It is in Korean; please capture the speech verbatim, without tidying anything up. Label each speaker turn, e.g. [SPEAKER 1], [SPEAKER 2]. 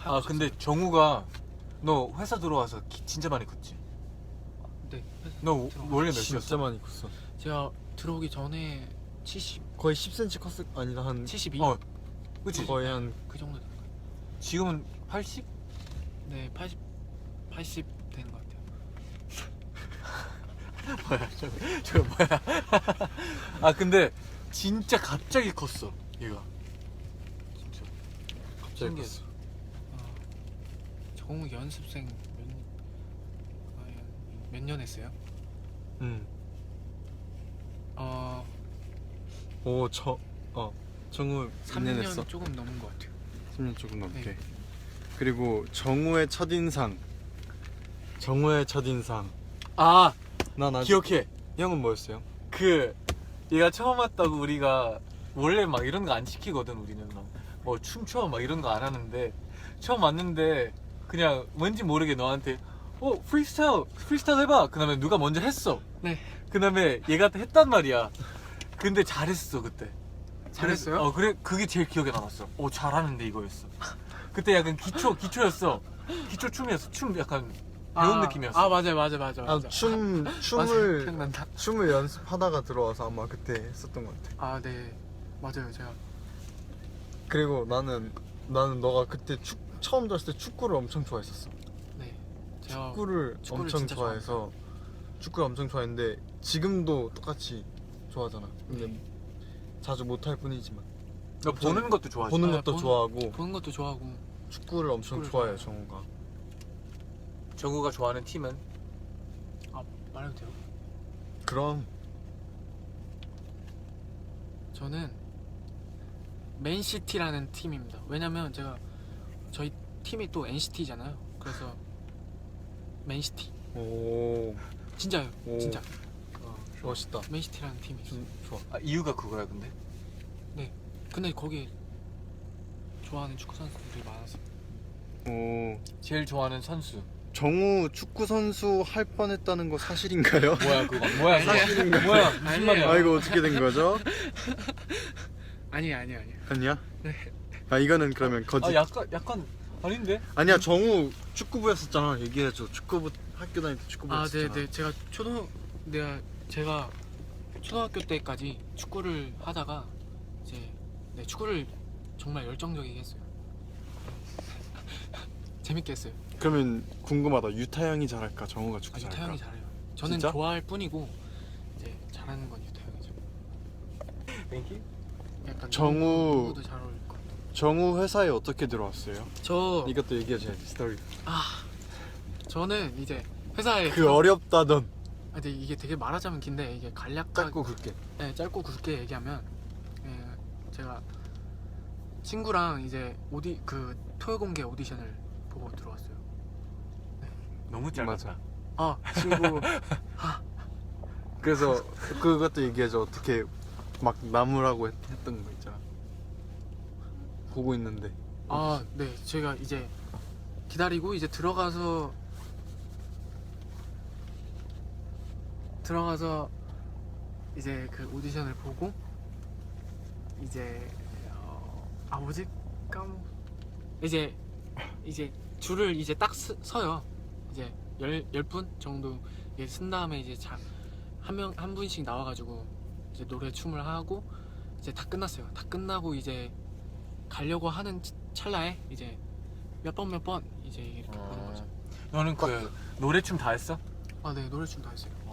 [SPEAKER 1] 아 근데 정우가 너 회사 들어와서 키 진짜 많이 컸지?
[SPEAKER 2] 네.
[SPEAKER 1] 너
[SPEAKER 2] 들어와.
[SPEAKER 1] 원래
[SPEAKER 3] 진짜
[SPEAKER 1] 몇이었어?
[SPEAKER 3] 많이 컸어.
[SPEAKER 2] 제가 들어오기 전에 칠십,
[SPEAKER 3] 거의 십 센티미터 컸을 아니다 한
[SPEAKER 2] 칠십이?
[SPEAKER 1] 어 그치?
[SPEAKER 3] 거의 한
[SPEAKER 2] 그 정도 되는 거예요.
[SPEAKER 1] 지금은 팔십?
[SPEAKER 2] 네, 팔십, 팔십 되는 것 같아요.
[SPEAKER 1] 뭐야 저거 저거 뭐야 아 근데 진짜 갑자기 컸어 얘가 진짜
[SPEAKER 3] 갑자기
[SPEAKER 1] 신기했어.
[SPEAKER 3] 컸어.
[SPEAKER 2] 어, 정우 연습생 몇 년 했어요?
[SPEAKER 3] 응.
[SPEAKER 2] 어,
[SPEAKER 3] 오저 어 정우
[SPEAKER 2] 삼
[SPEAKER 3] 년
[SPEAKER 2] 년
[SPEAKER 3] 했어.
[SPEAKER 2] 조금 넘은 것 같아요.
[SPEAKER 3] 삼 년 조금 넘게.
[SPEAKER 2] 네.
[SPEAKER 3] 그리고 정우의 첫인상. 정우의 첫인상.
[SPEAKER 1] 아
[SPEAKER 3] 난 아직
[SPEAKER 1] 기억해
[SPEAKER 3] 형은 뭐였어요?
[SPEAKER 1] 그 얘가 처음 왔다고 우리가 원래 막 이런 거 안 시키거든 우리는 막 뭐 춤춰 막 이런 거 안 하는데 처음 왔는데 그냥 왠지 모르게 너한테 어 프리스타일 프리스타일 해봐 그 다음에 누가 먼저 했어
[SPEAKER 2] 네.
[SPEAKER 1] 그 다음에 얘가 했단 말이야 근데 잘했어 그때
[SPEAKER 2] 잘했어요?
[SPEAKER 1] 어 그래 그게 제일 기억에 남았어 오 잘하는데 이거였어 그때 약간 기초 기초였어 기초 춤이었어 춤 약간 배운
[SPEAKER 2] 아,
[SPEAKER 1] 느낌이었어
[SPEAKER 2] 아 맞아요, 맞아요, 맞아요. 맞아요.
[SPEAKER 3] 아, 춤
[SPEAKER 2] 맞아요,
[SPEAKER 3] 춤을
[SPEAKER 2] 기억난다.
[SPEAKER 3] 춤을 연습하다가 들어와서 아마 그때 했었던 것 같아.
[SPEAKER 2] 아, 네, 맞아요, 제가.
[SPEAKER 3] 그리고 나는 나는 너가 그때 축 처음 들었을 때 축구를 엄청 좋아했었어.
[SPEAKER 2] 네, 제가
[SPEAKER 3] 축구를,
[SPEAKER 2] 축구를
[SPEAKER 3] 엄청
[SPEAKER 2] 진짜
[SPEAKER 3] 좋아해서 축구를 엄청 좋아했는데 지금도 똑같이 좋아하잖아. 근데 자주 못할 뿐이지만
[SPEAKER 1] 너 보는 것도 좋아하지
[SPEAKER 3] 보는
[SPEAKER 2] 아,
[SPEAKER 3] 것도
[SPEAKER 2] 보는-
[SPEAKER 3] 좋아하고
[SPEAKER 2] 보는 것도 좋아하고.
[SPEAKER 3] 축구를 엄청
[SPEAKER 2] 축구를
[SPEAKER 3] 좋아해
[SPEAKER 2] 좋아해요.
[SPEAKER 3] 정우가.
[SPEAKER 1] 정우가 좋아하는 팀은
[SPEAKER 2] 아, 말해도 돼요?
[SPEAKER 3] 그럼
[SPEAKER 2] 저는 맨시티라는 팀입니다. 왜냐면 제가 저희 팀이 또 엔시티잖아요. 그래서 맨시티.
[SPEAKER 3] 오
[SPEAKER 2] 진짜요,
[SPEAKER 3] 오.
[SPEAKER 2] 진짜.
[SPEAKER 1] 어,
[SPEAKER 3] 멋있다.
[SPEAKER 2] 맨시티라는 팀이 있어요.
[SPEAKER 3] 좀 좋아.
[SPEAKER 1] 아, 이유가 그거야 근데
[SPEAKER 2] 근데 거기 좋아하는 축구 선수들이 많아서.
[SPEAKER 3] 오
[SPEAKER 1] 제일 좋아하는 선수
[SPEAKER 3] 정우 축구 선수 할 뻔했다는 거 사실인가요?
[SPEAKER 1] 뭐야 그거 뭐야 그거?
[SPEAKER 3] 사실인가요?
[SPEAKER 1] 뭐야 무슨
[SPEAKER 2] 아니에요.
[SPEAKER 1] 말이야
[SPEAKER 3] 아 이거 어떻게 된 거죠?
[SPEAKER 2] 아니, 아니, 아니.
[SPEAKER 3] 아니야?
[SPEAKER 2] 네.
[SPEAKER 3] 아 이거는 그러면 거짓.
[SPEAKER 1] 아 약간 약간 아닌데
[SPEAKER 3] 아니야 정우 축구부였었잖아. 얘기해줘. 축구부 학교 다닐 때
[SPEAKER 2] 아,
[SPEAKER 3] 축구부였었잖아.
[SPEAKER 2] 네, 네. 제가 초등 내가 제가 초등학교 때까지 축구를 하다가 이제 네, 축구를 정말 열정적이게 했어요. 재밌게 했어요.
[SPEAKER 3] 그러면 궁금하다. 유타 형이 잘할까? 정우가 축구
[SPEAKER 2] 아, 유타
[SPEAKER 3] 잘할까?
[SPEAKER 2] 형이 잘해요. 저는
[SPEAKER 3] 진짜?
[SPEAKER 2] 좋아할 뿐이고 이제 잘하는 건 유타 형이죠.
[SPEAKER 1] 땡큐
[SPEAKER 2] 약간
[SPEAKER 3] 정우-
[SPEAKER 2] 누구- 누구도 잘 어울릴 것 같아요.
[SPEAKER 3] 정우 회사에 어떻게 들어왔어요?
[SPEAKER 2] 저
[SPEAKER 3] 이것도 얘기해줘야지 스토리.
[SPEAKER 2] 아, 저는 이제 회사에
[SPEAKER 3] 그
[SPEAKER 2] 들어-
[SPEAKER 3] 어렵다던.
[SPEAKER 2] 아, 근데 이게 되게 말하자면 긴데 이게 간략하게
[SPEAKER 3] 짧고 굵게.
[SPEAKER 2] 네, 짧고 굵게 얘기하면 예, 제가 친구랑 이제 오디 그 토요공개 오디션을 보고 들어왔어요.
[SPEAKER 1] 너무 짧았다
[SPEAKER 3] 맞아.
[SPEAKER 2] 아, 친구
[SPEAKER 3] 그래서 그것도 얘기해줘. 어떻게 막 나무라고 했, 했던 거 있잖아. 보고 있는데.
[SPEAKER 2] 아, 네, 제가 이제 기다리고 이제 들어가서 들어가서 이제 그 오디션을 보고 이제 어, 아 뭐지 까먹 이제 이제 줄을 이제 딱 서, 서요. 이제 열 열 분 정도 이제 쓴 다음에 이제 한 명 한 분씩 나와가지고 이제 노래 춤을 하고 이제 다 끝났어요. 다 끝나고 이제 가려고 하는 찰나에 이제 몇 번 몇 번 이제 이렇게 보는 거죠.
[SPEAKER 1] 너는 그 노래 춤 다 했어?
[SPEAKER 2] 아, 네, 노래 춤 다 했어요.